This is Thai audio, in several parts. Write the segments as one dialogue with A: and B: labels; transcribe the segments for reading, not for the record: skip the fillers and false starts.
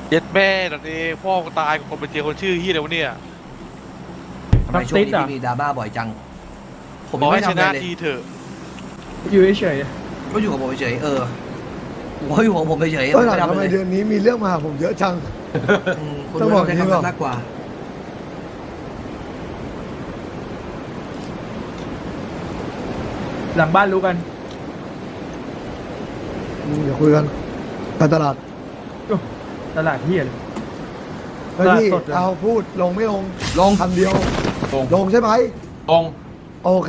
A: เย็ดแม่ตอนนี้พ่อกูตายกับคนไปเจอคนชื่อเฮียเดี๋ยวเนี่ย
B: ทำไมช่วงนี้พี่มีดราม่าบ่อยจังผม
A: บอก
B: ไม่
A: ให้ช
B: ทำอะไร
A: นะ
B: เลย
A: ทีเถอะ
C: อยู่เฉย
B: ก็อยู่กับผมเฉยผมก็อยู่ของผมเฉย
D: ก็
B: ไม่
D: หลัง
B: ทำ
D: ทำ
B: อะ
D: ไม
B: ไรเล
D: เดือย นนี้มีเรื่องมาหาผมเยอะจัง
B: คุณ
D: ต้อง
B: ไม่
D: บ
B: ต้
D: อ
B: อก งใช้
D: อย่างนี้
B: คำ
D: เปล่า
B: นั้นมากกว่า
C: หลังบ้านรู้กัน
D: เดี๋ยวคุยกันการตลาด
C: ตลาดเฮียเลย
D: เฮ้ยพี่
C: ตลาดสดเหรอ
D: เอาพูดลงไม่ลง
B: ลง
D: คำเดียว
E: ลง
D: ลงใช่ไหม
E: ลง
D: โอเค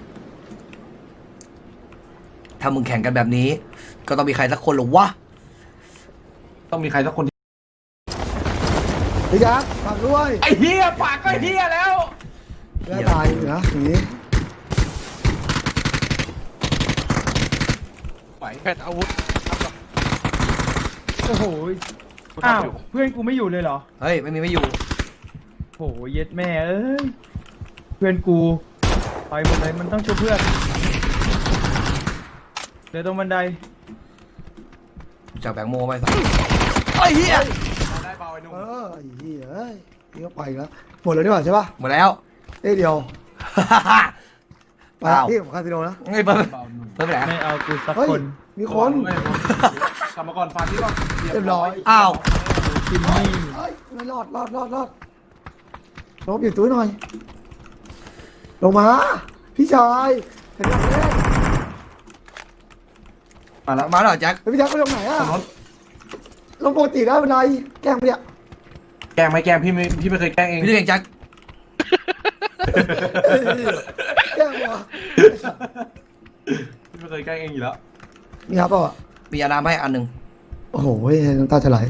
B: ถ้ามึงแข่งกันแบบนี้ ก็ต้องมีใครสักคนหรอวะ
E: ต้องมีใครสักคนที่
D: พี่ยักษ์ฝากด้วย
E: ไอ้เฮียปากก็เฮียแล้ว
D: แล้วตายอยู่นะอย่างนี้
E: ไหว
A: แพทย์อาวุธ
C: โอ้โหอ้าวเพื่อนกูไม่อยู่เลยเหรอ
B: เฮ้ยไม่อยู่
C: โอ้โหเย็ดแม่เอ้ยเพื่อนกูไปหมดเลยมันต้องช่วยเพื่อนเดี๋ยวตรงบันได
B: จากแบงโมไปสักไอ้เหี้ย
E: ได้เบาไอ้หนุ่ม
D: ไอ้เหี้ยเอ้ยนี่ก็ไปอีกแล้วหมดแล้วดีกว่าใช่ปะ
B: หมดแล้ว
D: เอ้ยเดียวไป
B: อ้าว
D: ที่ของคาสิโนนะ
B: ไอ้เปิ้ล
E: เบาหนุ่ม
B: เปิ้ลไปไหน
C: ไม่เอากูสัก
D: เฮ้ย
C: คน
D: มีคน
E: เว้ยกลับมาก่อนฟันที่ก่อน
D: เรียบร้อย
B: อ้าว
C: กินนี่
D: เฮ้ยไม่รอดลงหยิบตู้หน่อยลงมาพี่ชายเห็นไหม
E: มาแล้ว
B: มาแล้วเหรอแจ็ค
D: พี่ยักษ์ไปลงไหนอะ
E: ถนน
D: ลงปกติได้เป็นไรแกล้งไปเนี่ย
E: แกล้งไหมแกล้งพี่ไม่เคยแกล้งเอง
B: พี่ดูเองแจ็ค
D: แกล้งวะ
E: พี่ไม่เคยแกล้งเองอยู่แล้ว
D: มีครับเปล่าอ่ะ
B: มียาน้ำให้อันหนึ่ง
D: โอ้โหน้ำตาจะไหล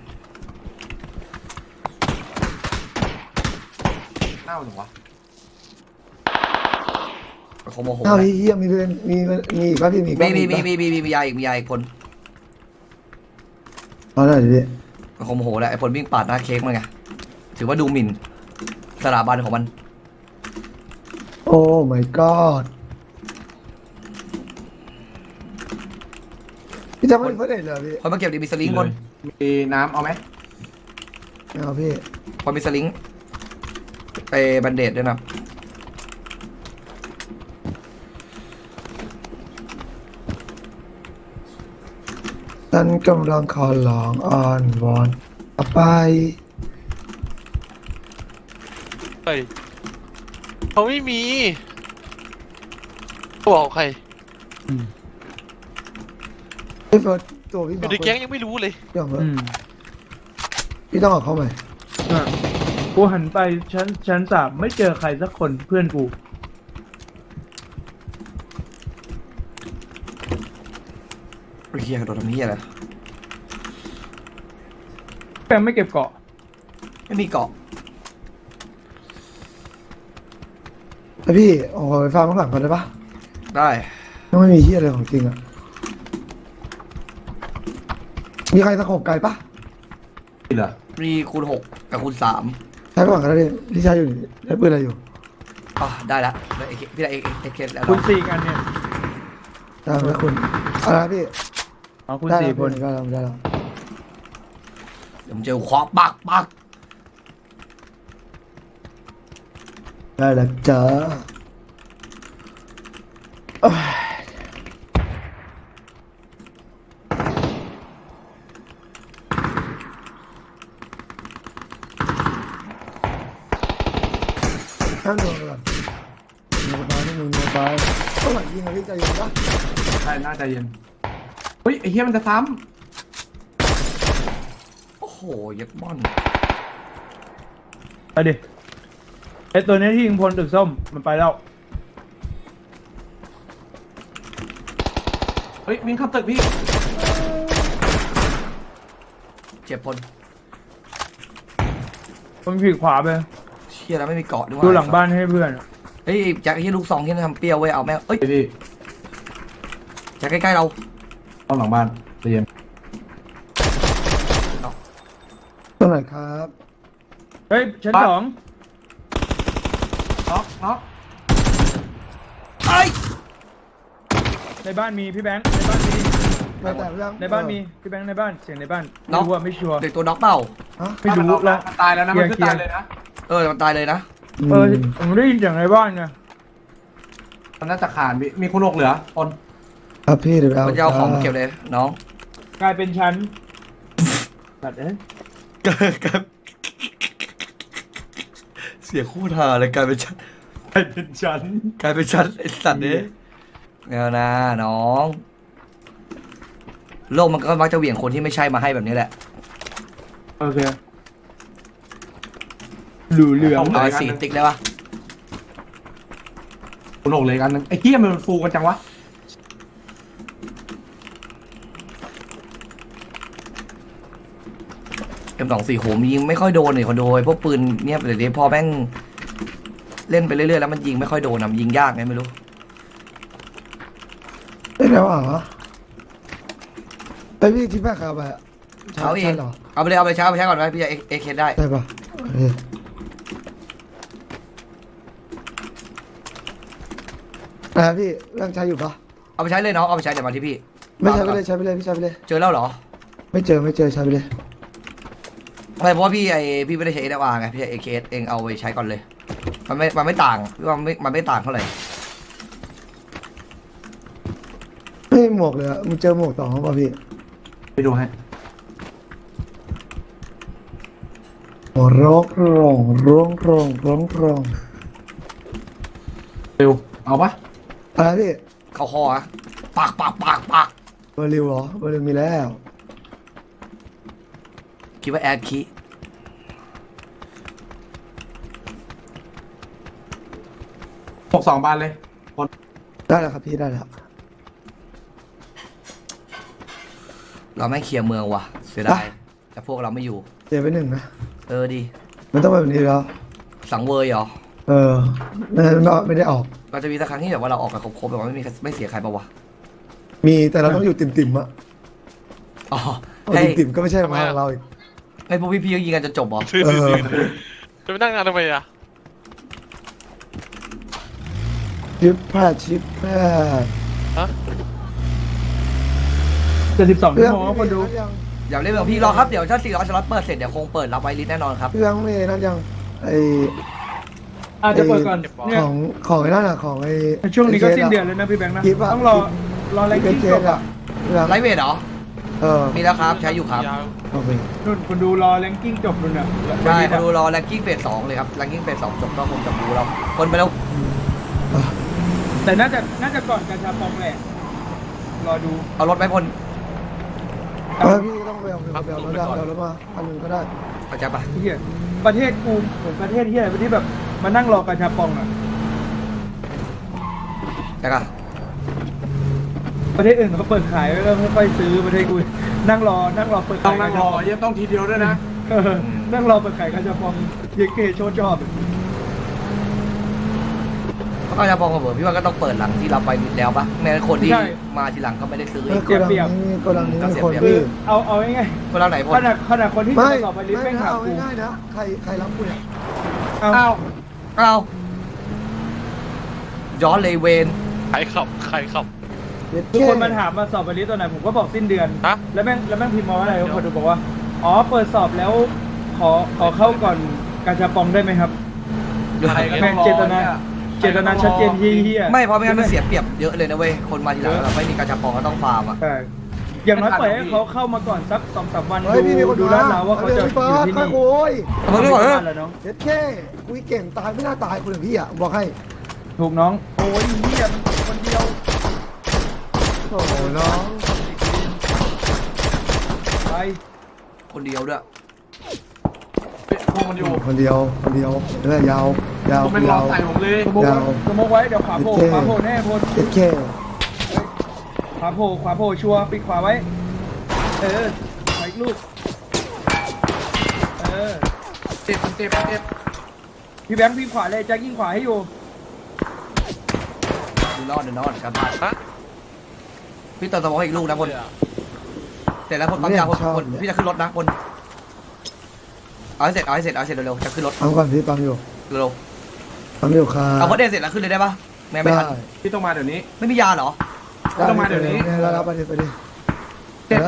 E: เน่าหรือวะ
B: เขาโมโห
D: อ้าวเฮียมีเป็นมีอีกป่ะพี่มีอีก
B: มี
D: ป่ะ
B: มียาอีกคน
D: เอาได้ดิพี่
B: เขาโมโหแล้วไอ้ผลวิ่งปาดหน้าเค้กมันไงถือว่าดูหมิ่นสถาบันของมัน
D: โอ้ my god พี่จะไม่เพื่อนเด็ดเลยพี่
B: คนมาเก็บดีมีสลิงคน
E: มีน้ำเอาไหม
D: ไม่เอาพี่
B: คนมีสลิงไปบันเดดด้วยนะ
D: ฉันกำลังขอร้องอ้อนวอนเอาไป
A: เฮ้ยเขาไม่มีเขาบอกใคร
D: พี่เฟิร์สตัวพี่
A: อบ ยู่
D: อก
A: ในแก๊งยังไม่รู้เลย
D: พี่บอกเฟิร์
C: อื
D: ส
C: ม
D: พี่ต้องเอาเข้าใหม่
C: อ่ะกูหันไปชั้นสามไม่เจอใครสักคนเพื่อนกู
B: เฮียกระโดดทำเฮียอะไร
C: แกไม่เก็บเกาะ
B: ไม่มีเกาะ
D: แล้วพี่เอาไปฟังข้างหลังก่อนได้ปะ
B: ได้
D: ยังไม่มีเฮียอะไรของจริงอ่ะมีใครตะขบไก่ปะ
E: นี่เหรอ
B: มีคูณ6กับคูณ3
D: ใช้ก่อนก็ได้พี่ชายอยู่ได้ปืนอะไรอยู่
B: อ่ะได้ละได้พี่ได้เอเคแล้ว
C: คุณสี่กันเนี่ย
D: ได้แล้วคุณอะไรนะพี่
C: เอาคุณ
D: ได้
C: สี่
D: แล้ว
C: คน
D: ได้แล้วได้แล้ว
B: เดี๋ยวผมเจอควักปัก
D: ได้แล้วจ้าเอ้ยข้ามโดนก่อนโดนไปนี่มึงโดนไปต้องไหนยิงอะพี่ใจเย็นปะ
E: ใช่น่าใจเย็นเฮ้ยไอ้เฮียมันจะซ้
B: โอ้โหยัดม่อน
C: ไปดิไอตัวเนี้ยที่ยิงพลตึกส้มมันไปแล้ว
E: ำเฮ้ยวิ่งเข้าตึกพี่
B: เจ็บพล
C: มันผีขวาไป
B: เชี่ยแล้วไม่มีเกาะด้วย
C: ดูหลังบ้านให้เพื่อน
B: เฮ้ยแจ็คที่ลูกซองที่ทำเปรี้ยวเว้ยเอาแม่เอ้ย
E: พี่
B: แจ็คใกล้ๆเรา
E: ต้องหลังบ้านใจเย็น
D: ตรงไหนครับ
C: เฮ้ยชั้นสอง
E: น็อก
B: ไอ้
C: ในบ้านมีพี่แบงค์ในบ้านมี
D: ไม่แต่ยัง
C: ในบ้านมีพี่แบงค์ในบ้านเสียงในบ้านไม่รู้ว่าไม่ชัวร์
B: เด็กตัวน็อกเปล่า
D: ฮะ
C: ไม่รู้
E: แล้
C: แล้ว ว
E: มันตายแล้วนะมันคือตายเลยนะ
B: มันตายเลยนะ
C: ผมได้ยินเสียงในบ้านไง
E: มันน่าจะขาดมีคุณหกเหลือคน
D: ครับพี่เดี๋ยวไปเอา
B: มันจะเอาของมาเก็บเลยน้อง
C: กลายเป็นชั้นตัดเอ้ย
B: เสียคู่ทาเลยกลายเป็นชั้น
E: กลายเป็นฉัน
B: กลายเป็นชั้นไอ้สัตว์เนี่ยแล้วนะน้อง โลกมันก็มักจะเหวี่ยงคนที่ไม่ใช่มาให้แบบนี้แหละ
C: โอเคหลูเหลือง
B: เอาไอ้สีติ๊กได้ปะ
E: คุณหกเลยกันนึงไอ้เหี้ยมันฟูกันจังวะ
B: M24 โหมยิงไม่ค่อยโดนเลยคนโดยพวกปืนเนี่ยเดี๋ยวนี้พอแม่งเล่นไปเรื่อยๆแล้วมันยิงไม่ค่อยโดนมันยิงยากไงไม่รู้
D: ได้แล้วเหรอไอพี่ที่แม่ขาไปอะ
B: เช้าเอง
D: ใช่เหรอ
B: เอาไปเลยเอาไปเช้าไปใช้ก่อนไหมพี่จะเอเคได้
D: ได้ปะเออพี่ยังใช้อยู่ปะ
B: เอาไปใช้เลยน้องเอาไปใช้เดี๋ยวมาที่พี่
D: ไม่ใช้ไปเลยใช้ไปเลยพี่ใช้ไปเลย
B: เจอแล้วเหรอ
D: ไม่เจอใช้ไปเลย
B: ไม่เพราะว่าพี่ไม่ได้ใช้เอเดวาไงพี่ใช้เอเคเองเอาไปใช้ก่อนเลย มันไม่ต่างพี่ว่ามันไม่ต่างเท่าไหร่
D: ไม่หมวกเลยอะมึงเจอหมวกต่อมั้งป่ะพี่
E: ไปดูให้
D: โอ้ร้องร้องร้องร้องร้องร้อง
E: เร็วเอาปะ
D: อะไรพี่
B: เข้าคออะปาก
D: เบอร์ริวเหรอเบอร์ริวมีแล้ว
B: คิดว่าแอดคี
E: 62 บานเลยคน
D: ได้แล้วครับพี่ได้แล้ว
B: เราไม่เคลียร์เมืองว่ะเสียดายแต่พวกเราไม่อยู่
D: เจ็บไปหนึ่งนะ
B: ดี
D: มันต้องแบบนี้แล้ว
B: สังเวยเหรอ
D: ไม่ได้ออก
B: ก็จะมีสักครั้งที่แบบว่าเราออกกันครบๆแต่ว่าไม่เสียใครปะวะ
D: มีแต่เราต้องอยู่ติ่มๆอะ
B: อ๋อ
D: เอา
B: ให้
D: ติ่มๆก็ไม่ใช่มาของเราอีก
B: ให้พวกพี่ๆก็ยิงกันจนจบเหรอ
A: ซื้อ
D: เออ
A: จะไปนั่งงานทำไมอ่ะ
D: ชิปแพทย์
A: ฮะ
C: จะ12 ชั่วโมงครับคนดู
B: อย่าเล่นแบบพี่รอครับเดี๋ยวถ้า400สล็อตเปิดเสร็จเดี๋ยวคงเปิดรับไวลิสแน่นอนครับ
D: พี่ยังไม่นั่นยังไอ
C: อาจจะเปิดก่อนเนี่ย
D: ของไอ้นั่นอะของไอ
C: ช่วงนี้ก็สิ้นเดือนแล้วนะพี่แบงค์นะ
D: คิดว่า
C: ต้องรอแรง
D: เป็น
C: กิ้ง
D: เค
C: จ
D: ส
C: บ
D: อะ
C: อ่ะ
B: ไลท์เวทเหรอ
D: เออ
B: มีแล้วครับใช้อยู่ครับ
A: ยาว
D: โอเค
C: นุ่นคนดูรอแรงกิ้งจบนุ่นอ่ะ
B: ใช่เขาดูรอแรงกิ้งเฟส2เลยครับแรงกิ้งเฟส2จบก็คงจะดูเราคนไปแล้ว
C: แต่น่าจะก่อนการชาปองแหละรอดู
B: เอารถไปพล
D: พี่ต้องไปเอารถมาอันนึงก็ได้
B: เข้าใจปะ
C: เฮียประเทศกูเหมือนประเทศเฮียที่แบบมานั่งรอการชาปองอ่ะ
B: ใช่ปะ
C: ประเทศอื่นเขาเปิดขายแล้วไม่ค่อยซื้อประเทศกูนั่งรอเปิด
E: ต้อ
C: ขาง ย
E: นั่งรอเยี่ยมต้องทีเดียวด้วยนะ
C: นั่งรอเปิดขายการชาปองเยเกโชว์ชอบ
B: เขาก็จะพองกับเบอร์พี่ว่าก็ต้องเปิดหลังที่เราไปแล้วปะแม้คนที่มาทีหลังก็ไม่ได้ซื้อ
D: โกดังนี้มีคน
C: คือ
D: พี่
C: เอาง่าย
B: คนเราไหนพ
C: ๆ
B: ล
C: ขนาดคนที่
D: ไม่
C: จะต่อไปลิฟต์
D: ไม่
C: แม่งถาม
D: เอา
C: กู
D: ง่ายๆนะใครรับกูเนี่ย
C: เอา
E: อ้าว
B: เอาย้อนเลยเวน
A: ใครขับ
C: ทุกคนมาถามมาสอบไปลิฟต์ตอนไหนผมก็บอกสิ้นเดือน
A: ฮะ
C: แล้วแม่งพิมพ์มาว่าอะไรคนดูบอกว่าอ๋อเปิดสอบแล้วขอเข้าก่อนการชาปองได้ไหมครับ
E: ใครก็ต้องรอ
C: เจตนาชัดเจนเฮีย
B: ไม่เพราะไม่งั้นมันเสียเปรียบเยอะเลยนะเว้ยคนมาทีหลังเราไม่มีการจับปองก็ต้องฟาร์มอ่ะ
C: ใช่อย่างน้อยปล่อยให้เขาเข้ามาก่อนสัก 2-3 วัน
D: เฮ้ยพี่มีคน
C: ดู
D: ดู
C: ลาดราวว่าเขาจะอยู่ที่นี่
D: โอ้ย
B: เอาไปก่อนเถอะ
C: แล้วน้อง
D: เด็ดแค่คุยเก่งตายไม่น่าตายคนอย่างพี่อ่ะบอกให้
C: ถูกน้องโอ้ยเฮียคนเดียว
D: โอ้น้อง
C: ไป
B: คนเดียวด้วย
E: พวกมันอยู่
D: คนเดียวเรื่อยยาว
E: ผมเป็นรอใส่ผมเลย
C: สมมติไว้เดี๋ยวขวาโผล่แน่พล
D: เด็ดแค่
C: ขวาโผล่ชัวร์ปิดขวาไว้ไปอีกลูก
E: เจ็บ
C: พี่แบงค์พี่ขวาเลยแจ็คยิงขวาให้อยู่
B: ดูนอนครับ
A: ฮะ
B: พี่เติมสมองอีกลูกนะพลเสร็จแล้วพลปั๊มยาพลพี่จะขึ้นรถนะพลเอาให้เสร็จเร็วๆจะขึ้นรถ
D: เอาก่อนพี่ปั๊มอยู่
B: เร็ว
D: ปั๊มอยู่ค่ะ
B: เอาพลเดนเสร็จแล้วขึ้นเลยได้ปะไม่ทัน
E: พี่ต้องมาเดี๋ยวนี้
B: ไม่มียาเหรอ
E: ต้องมาเดี๋ยวนี้
D: แล้วไปดิ
E: เจ็บ
D: นะ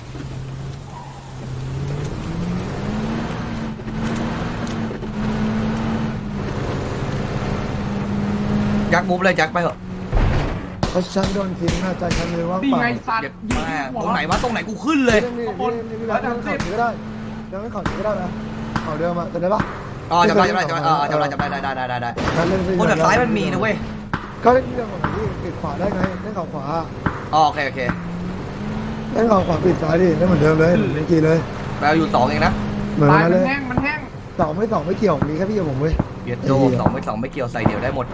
B: ยักมุฟเลยยักไปเถอะ
D: เพราะฉันโดนทิ้งนะใจฉันเลยว่าง
E: นี่
D: เปล่า
E: ไงสัตว์
B: เจ็บแม่ตรงไหนวะตรงไหนกูขึ้นเลย
D: นี่พี่แบงค์นั่งข่าวนี้ก็ได้ยังไม่ข่าวนี้ก็ได้นะข่าวเดิมอะจำได้ปะ
B: อ๋อจำได้ได้ได้
D: ฉันเล่น
B: บนแบบซ้ายมันมีนะเว้ย
D: ก็เล่นเรื่องของพี่ปิดขวาได้ไงเล่นข่าวขวา
B: อ๋อโอเค
D: เล่นข่าวขวาปิดซ้ายดิเล่นเหมือนเดิมเลยเล่นกี่เลย
B: แปลอยู่2เองนะ
D: เหมือน
E: ตาย
D: กัน
E: มั
D: เล
E: น
D: ย
E: แห้งมันแห้ง
D: สองไม่เกี่ยวมีแค่พี่กับผมเว้ย
B: เบียดโด2ไม่เกี่ยวใส่เดี่ยวได้หมด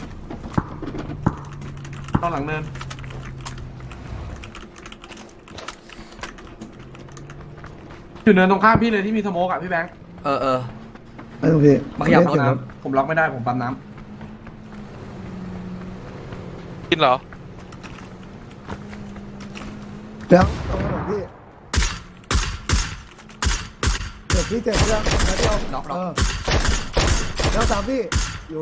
E: ตอนหลังเนินอยู่เนินตรงข้ามพี่เลยที่มีสโมกอะพี่แบงค์
B: เออ
D: ไอ้ตรงพี่
B: มาขยับรถ
E: น้ำผมล็อกไม่ได้ผมปั๊มน้
A: กินเหรอ
D: แล้วตรงนั้นพี่เจ็บพี่เจ็บแล้วแล้วเดียวแล้วตามพี่อยู่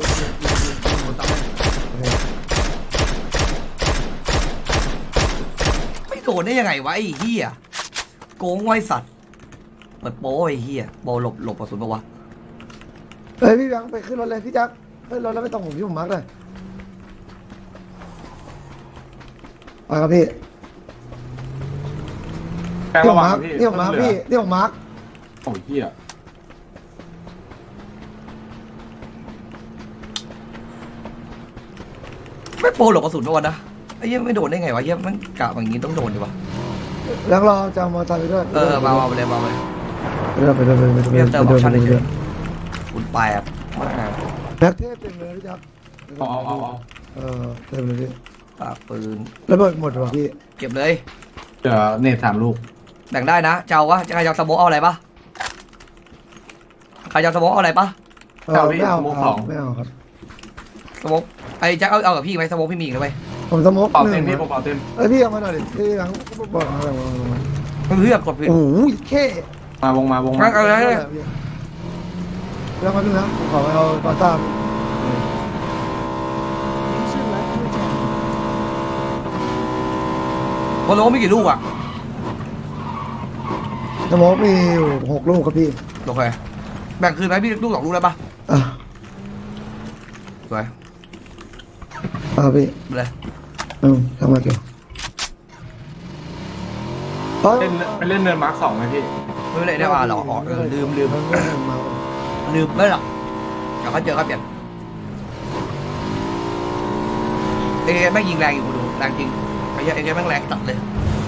B: ไม่โดนได้ยังไงวะไอ้เหี้ยโกงไว้สัตว์เปิดโป้ไอ้เหี้ยโบหลบกระสุนปะวะ
D: เฮ้ยพี่แบงค์ไปขึ้นรถเลยพี่แจ็คขึ้นรถแล้วไม่ต้องผมที่ผมมาร์กเลยไปครับพี่
E: ำแบงค์
D: ที่ผ
E: ระ
D: ม
E: วัง
D: มาร์ก
E: พี่
D: ที่ผมมาร์กพี่ที่ผมมาร์ก
E: โอ้ยเหี้ย
B: ไม่โปรหลบกระสุนปะวะนะไอ้เหี้ยไม่โดนได้ไงวะเหี้ยมันกะอย่างงี้ต้องโดนดิวะ
D: แล้วเราจะเอามอเตอร์ไซค์ไปด้วย
B: มาไปเลย
D: ไปด้วย
B: คุณแปบมาก
D: แบ็คเทพเต็มเลยพี่แจ็ค
E: เอา
D: เต็มเลยพี่
B: ปากปืน
D: ระเบิดหมดว่ะพี่
B: เก็บเลย
E: เดี๋ยวเนต3 ลูก
B: แบ่งได้นะเจ้าวะใครจะสโมกเอาอะไรปะใครจะสโมกเอาอะไรปะ
D: ไม่เอาครับ
B: สโมกไอ้แจ็คเอากับพี่ไหมสโมกพี่มีอีกนะเว้ย
D: ผมสโมก
E: เป่า
D: ห
E: เต็
D: นึ่
E: ม
D: ง
E: พี่ผมเป่าเต็ม
D: เอ้ยพี่เอามาหน่อยดิพี่หลังบอกมาแล้ว
B: มันเพื่อกดผิด
D: โอ้ยแค่
E: วงมา
B: เอาเลย
D: แล้วมาดูนะผมขอเอาปาต้า
B: บอลโลมีกี่ลูกอะ
D: สโมกมีอยู่6 ลูกครับพี่
B: โอเคแบ่งคืนไหมพี่ลูก2 ลูกได้ปะ
D: อ่ะ
B: สวย
D: พี่
B: ไปเลย
D: ทำมาเกี่ยว
E: ไปเล่นเนินมาร์ค2ไหมพี่
B: ไม่เป็นไรได้ป่ะหรอลืมไม่หรอกเดี๋ยวเขาเจอเขาเปลี่ยนแม่งยิงแรงอยู่กูดูแรงจริงไอ้เหี้ยแม่งแรงจัดเลย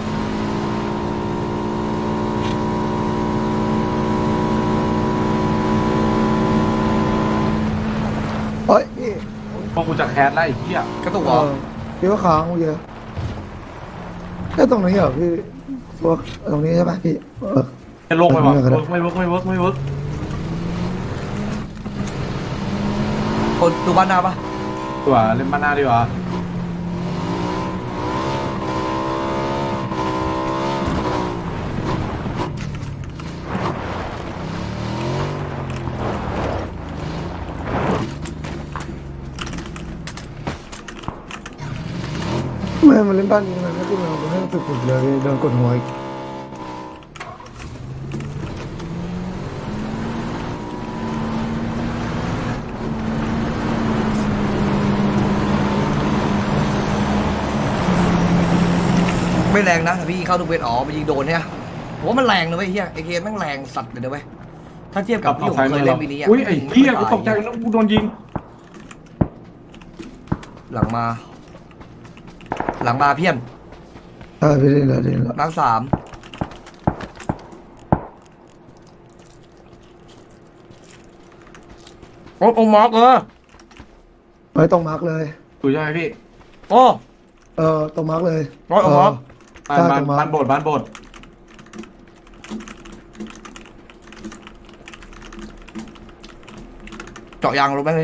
D: เฮ้ยพี่
E: พวกกูจะแคสไล่เหี้ย
B: กระตุกเหรอ
D: พี่ว่าค้างเยอะแค่ตรงนี้เหรอพี่พวกตรงนี้ใช่ไหมพี่
E: จะลงไปวะไม่เวิร์ก
B: คนดูบ้านหน้าปะ
E: ตัวเล่นบ้านหน้าดีกว่า
D: ไม่มาเล่นบ้านนี้มันไม่ขึ้นมาเป็นเรื่องสุดๆเลยโดนกดหัวอีก
B: ไม่แรงนะพี่เข้าทุกเวทมันยิงโดนเนี่ยผมว่ามันแรงนะเว้ยเฮียไอเคแม่งแรงสัตว์เลยนะเว้ยถ้าเทียบกับที่ผมเคยเล่นปีนี้
E: อุ้ยไอ้เหี้ยกูตกใจแล้วกูโดนยิง
B: หลังมาเพี้ยน
D: พี่เล่นแล้ว
B: นัก3โอ้มาร์ก
D: ไม่ต้องมาร์กเลย
E: ดูใช่ไหมพี่
B: โอ้
D: ต้องมาร์กเลย
B: ร้อยมาร์ก
E: บ้านโบด
B: เจาะยางลงไปเลย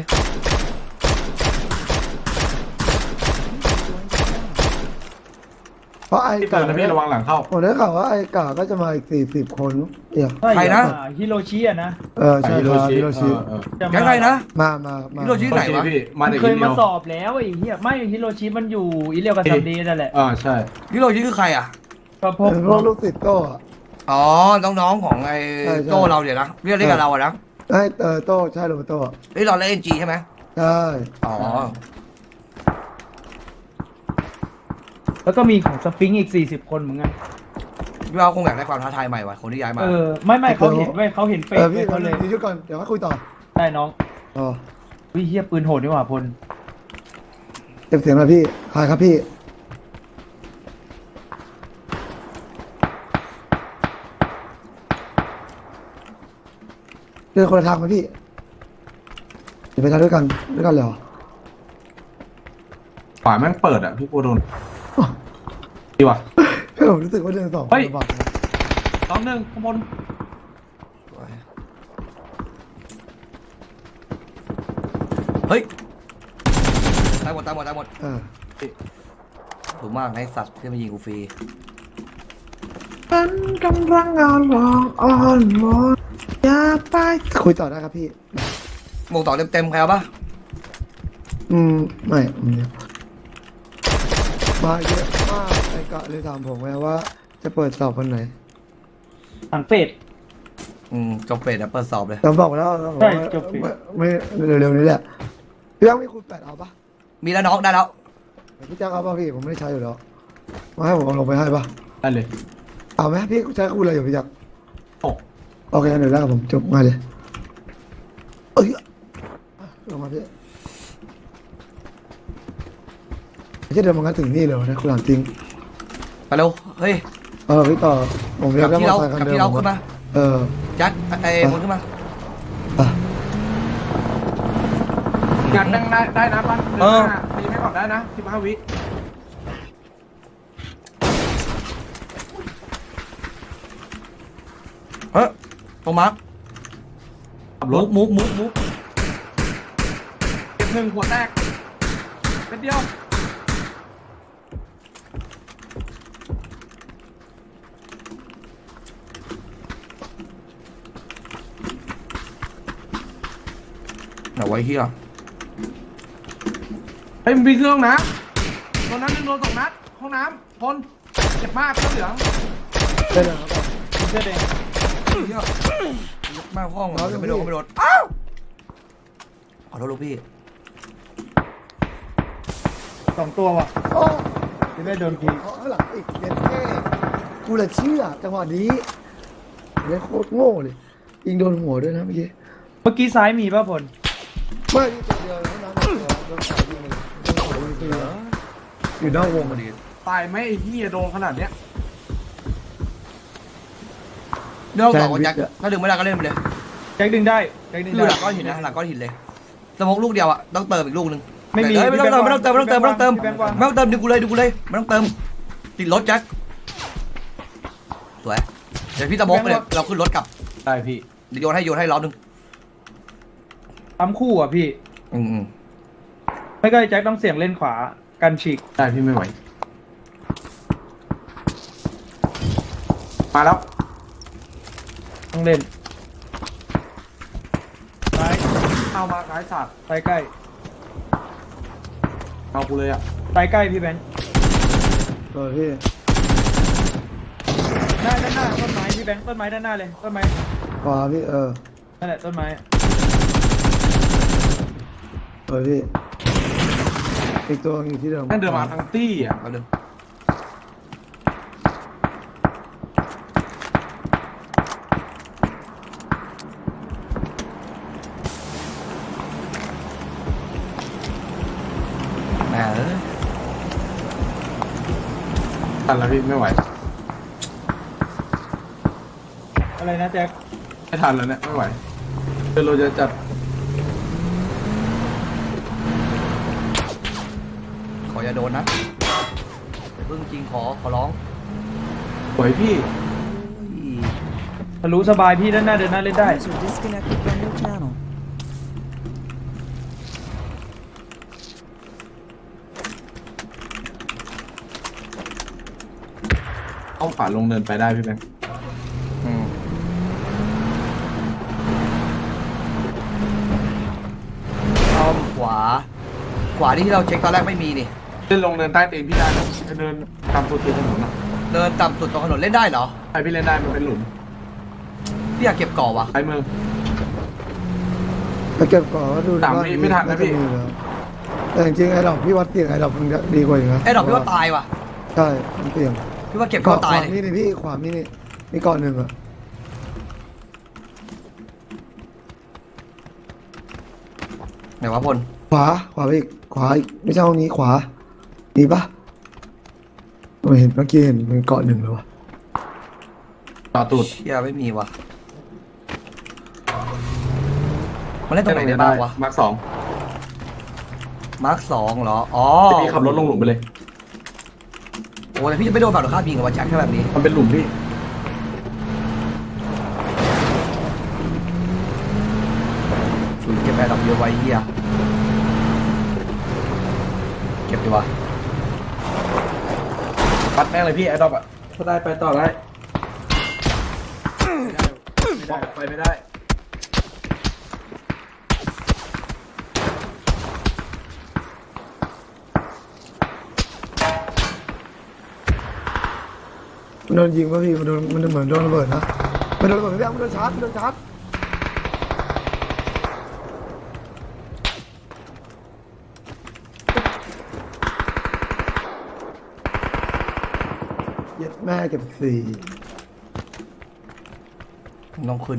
D: เพราะไอ้
E: ที่เตือนนะพี่ระวังหลังเข้า
D: ผมได้ข่าวว่าไอ้กาก็จะมาอีก40 คนเนี่ย
B: ใครนะ
C: ฮิโรชิอะนะ
D: ใช่ครับฮิโรชิ
C: จะ
B: แกใครนะ
D: มา
B: ฮิโรชิไหนวะ
E: พี่มา
C: มัน
E: เด็ก
C: เคย
E: เดี
C: มา
E: ยว
C: สอบแล้วไอ้เหี้ยไม่ฮิโรชิมันอยู่อิเลียวกับซัมเดย์นั่นแหละ
E: ใช่
B: ฮิโรชิคือใครอ่ะ
C: ก็พวก
D: พวกลูกศิษย์โต้อะ
B: อ๋อน้องๆของไอ้
D: ใช่ใช่
B: โต้เราเดี๋ยวนะเรียกกับเราอะนะ
D: ไอ้โต้ใช่หรือเปล่าโต้
B: เฮ้ยเราเล่นจีใช่ไหม
D: ใช่
B: อ๋อ
C: แล้วก็มีของสฟิงค์อีก40 คนเหมือนกัน
B: พี่ว่าคงอยากได้ความท้าทายใหม่ว่ะคนที่ย้ายมา
C: ไม่เขาเห็นเว้ยเขาเห็นเฟซ
D: พี่
C: เขาเลย
D: ยืดก่อนเดี๋ยวมาคุยต่อ
C: ได้น้อง
D: อ๋อ
C: วิเฮียปืนโหดดีกว่าพล
D: เก็บเสียงหน่อยพี่ใครครับพี่เดินคนละทางไหมพี่เดี๋ยวไปทางด้วยกันเลยเหรอ
E: ขวาแม่งเปิดอ่ะพี่ปูโดนดีว่ะ
D: ผมรู้สึกว่าเดินสอง
E: เฮ้ย
D: ลำบากนะ
E: น้องหนึ่งข้างบน
B: เฮ้ยตายหมดตายหมดตายหมด
D: เออ
B: ถูกมากไอ้สัตว์ที่มายิงกูฟรี
D: ฉันกำลังอ่อนวอนวอนอย่าไปคุยต่อได้ครับพี่
B: หมวกต่อเต็มๆใครเอาปะ
D: ไม่มาเยอะมากไอ้กะเลยถามผมไงว่า จะเปิดสอบวันไหน
C: ทางเฟซ
B: จบเฟสเดี๋ยวเปิดสอบเลย
D: ผมบอกไปแล้ว
C: ใช่จบสิ
D: ไม่เร็วๆนี้แหละพี่ยังไม่คูณ8เอาปะ
B: มีแล้วน้องได้แล้ว
D: พี่แจ๊คเอาปะพี่ผมไม่ได้ใช้อยู่แล้วมาให้ผมเอาลงไปให้ปะ
E: ได้เลย
D: เอาไหมพี่ใช้คูณอะไรอยู่พี่แจ๊ค
E: โอ้
D: โอเคเดี๋ยวแรกผมจบง่ายเลยเอ้ยลงมาพี่ไม่ใช่เดินมางั้นถึงนี่เลยวะนะคุณหลานจริง
B: ไปเร็วเฮ้ย
D: พี่ต่อผม
B: ก
D: เรีย
B: ลั
D: ก
B: บ
D: ได้
B: ที่
D: มอ
B: เรา
D: เตอร์ไซค์คัน
B: กลับ
D: เดิม
B: ที่เรา
D: ผม
B: ขึ้นมา
D: ว่า
B: ยัดไอ้หมุนขึ้นมา
D: อ่ะ
E: งานได้นะปั้นเดินหน้าตีไม่ก่อนได้นะ15 วิ
B: เฮ้ยตรงมาร์ค
E: ขับรถ
B: มุก
E: เก็บหนึ่งหัวแตกเป็นเดียว
B: ไหนไว้เฮีย
E: เฮ้ยมันมีเครื่องนะตอนนั้นหนึ่งโดน2 นัดห้องน้ำพลเจ็บมากเสื้อเหลือง
D: ได้แล้วครับ
C: เสื้อแดง
B: เฮียมากห้องเราจะไม่โดนก็ไม่โดนอ้าวขอโทษลูกพี่
C: 2 ตัวว่ะ
D: โอ้
C: จะได้โดนที
D: เขาข้างหลังอีกเด็ดแค่กูเลยเชื่อจังหวะนี้เล่นโคตรโง่เลยยิงโดนหัวด้วยนะเมื่อกี้
C: เมื่อกี้ซ้ายมีป่ะพล
D: ไม่นี่ตัวเดียวเท่านั้นโดนสายยิงเลยโดนสายยิงตัวเดียวอยู่นอกวงพอดี
E: ตายไหมไอ้ที่โดนขนาดเนี้ย
B: เรื่องต่อกับแจ็คถ้าดึงไม่ได้ก็เล่นไปเลย
C: แจ็คดึงได้แจ็คดึง
B: คือ
C: ได้
B: หลังก้อนหินนะหลังก้อนหินเลยสมองลูกเดียวอ่ะต้องเติมอีกลูกนึง
C: ไม่มี
B: ไม่ต้องเติมไม่ต้องเติมไม่ต้องเติมไม่ต้องเติม
C: พี่แบงค์วาง
B: ไม่ต้องเติมดึงกูเลยไม่ต้องเติมติดรถแจ็คสวยเดี๋ยวพี่ตะบกไปเลยเราขึ้นรถกลับ
E: ได้พี่
B: เดี๋ยวโยนให้ล้อนึง
C: ทำคู่อ่ะพี่
B: อืม
C: ไม่ก็แจ็คต้องเสี่ยงเล่นขวากันฉีก
E: ได้พี่ไม่ไหวมาแล้ว
C: ต้องเล่นซ้าย
E: เอามาซ้ายสัตว์
C: ซ้ายใกล้
E: เอากูเลยอ่ะ
C: ซ้ายใกล้พี่แบงค์
D: พี่
C: ด้านหน้าต้นไม้พี่แบงค์ต้นไม้ด้านหน้าเลยต้นไม้
D: ขวาพี่
C: นั่นแหละต้นไม้
D: พี่อีกตัวอยู่ที่เดิม
E: แม่งเดินมาทั้งตี้อ่ะ
B: แป๊บนึงแม่เอ้ย
E: ทันแล้วพี่ไม่ไหว
C: อะไรนะแจ็ค
E: ไม่ทันแล้วเนี่ยไม่ไหวเดี๋ยวเราจะจัด
B: ขออย่าโดนนะอย่าเพิ่งจริงขอร้อง
E: สวยพี่
C: ทะลุสบายพี่ด้านหน้าเดินหน้าเล่นได้
F: User disconnected from your channel.
E: เอาขวาลงเดินไปได้พี่แบงค์
B: เอาขวานี่ที่เราเช็คตอนแรกไม่มีนี่
E: เดินลงเดินใต้เตียงพี่ได้นะจะเดินตามตัวเตียงถนนนะ
B: เดินต่ำสุดตรงถนนเล่นได้เหรอ
E: ใครพี่เล่นได้มันเป็นหลุม
B: พี่อยากเก็บก่อวะ
E: ใช้มือ
D: ไปเก็บก่อนว่าดู
E: ตามพี่ไม่ทันนะพี่
D: าจมีแล้วแต่จริงๆไอ้ดอกพี่วัดเสียงไอ้ดอกมันดีกว่าอยู่นะ
B: ไอ้ดอกพี่ว่าตายว่ะ
D: ใช่มันเสียง
B: พี่ว่าเก็บก่อตาย
D: ข
B: เล
D: วาย นี่พี่ขวานี่ก่อนหนึ่งอะ
B: ไหนวะพล
D: ขวาไปอีกขวาอีกไม่ใช่ห้องนี้ขวาดีปะไม่เห็นเมื่อกี้เห็นมันเกาะหนึ่งเลยวะ
E: ต่อตูด
B: เชี่ยไม่มีว่ะมันเล่นตรงไหนได้บ้างวะ
E: มาร์คสอง
B: มาร์คสองเหรออ๋อ
E: พี่ขับรถลงหลุมไปเลย
B: โอ้แต่พี่จะไม่โดนฝั่งตรงข้ามยิงกับวันแจ็คแค่แบบนี้
E: มันเป็นหลุมพี่
B: ฝืนเก็บแอร์ดอกเยอะไว้เฮียเก็บดีวะ
E: ปัดแม่งเลยพี่ไอ้ดอกอ่ะถ้าได้ไปต่อได้ไม่ได้ไปไม่ได้
D: มันโดนยิงป่ะพี่มันเหมือนโดนระเบิดนะมันโดนระเบิดไม่ได้มันโดนชาร์จเย็ดแม่เก็บสี่
B: ต้องขึ้น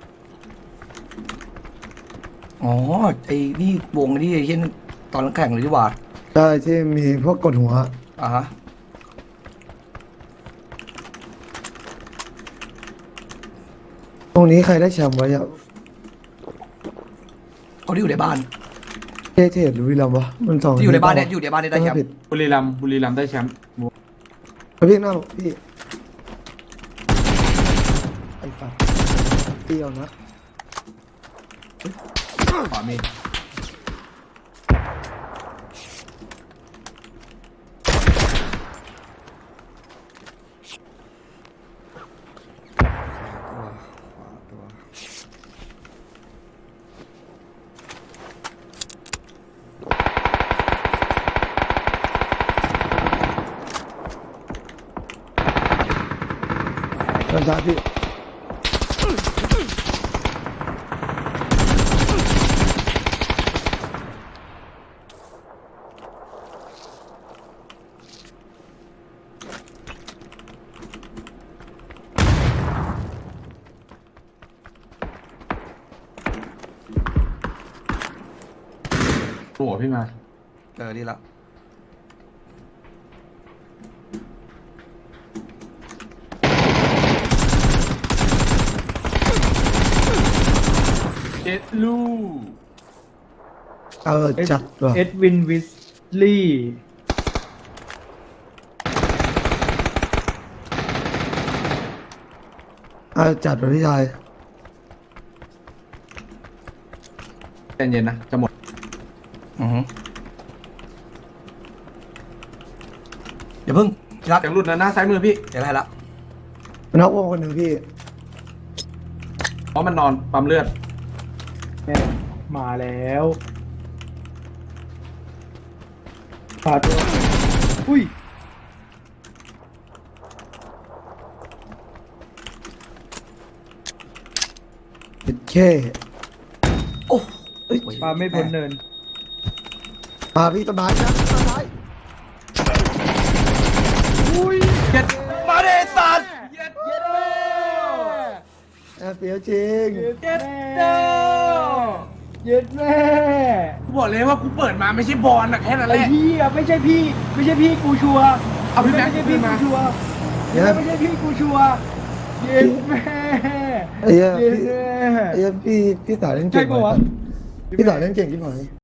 B: อ๋อไอ้นี่วงนี่ไอ้เช่นตอนแข่งเลยดีกว่า
D: ใช่ที่มีพวกกดหัว
B: อ่ะฮะ
D: ตรงนี้ใครได้แชมป์ไว้อะ
B: เขาที่อยู่ในบ้าน
D: เทหรือวิลัมวะมันสอง
B: ที่อยู่ในบ้านเนี่ยอยู่ในบ้านเนี่ยได้แชม
D: ผิด
B: ป์
E: บุรีรัมย์ได้แชมป์
D: แล้วพี่หน้าพี่ไอ้ฝักเตี้ยวนะ
E: ขวามี
D: โดนชาร์จพี่
E: หัวพี่มา
B: ดีละ
E: เจ็ดลูก
D: จัดว่ะ
C: เอ็ดวินวิสลี่
D: จัดว่ะพี่ชาย
E: ใจเย็นนะจะหมด
B: อือฮึเดี๋ยวเพิ่งรัก
E: จากหลุดนะหน้าซ้ายมือพี่
B: เดี๋ยวได้ละ
D: มันน็อกวงคนหนึ่งพี่
E: เพราะมันนอนปั๊มเลือด
C: แม่มาแล้วขาดตัวอุ้ย
D: เป็นแค่
B: โอ้
C: ปาไม่พ้นเนิน
D: มาพี่ต้นไม้นะต้นไม้
E: เจ็ด
B: มาเดสัตว์
D: เปรียวจริง
C: เย็ดเด้อเย็ดแม่
E: กูบอกเลยว่ากูเปิดมาไม่ใช่บอลนะแค่นั้นแห
C: ไอ้
E: ละ
C: พี่อะไม่ใช่พี่กูชัวร์
E: เอาพี่แม็กซ์
C: ไม่ใช่พี่
E: ขึ้นมา
C: กูชัวร์
D: เย็ด
C: ไม่ใช่พี่กูชัวร์เย็ดแม่
D: ไอ้เหี้ย
C: เย็ด
D: พี่
C: แม่
D: ไอ้เหี้ยพี่สาวเล่น
C: ใช่
D: เก่ง
C: ปะวะ
D: พี่สาวเล่นเก่งที่ไหน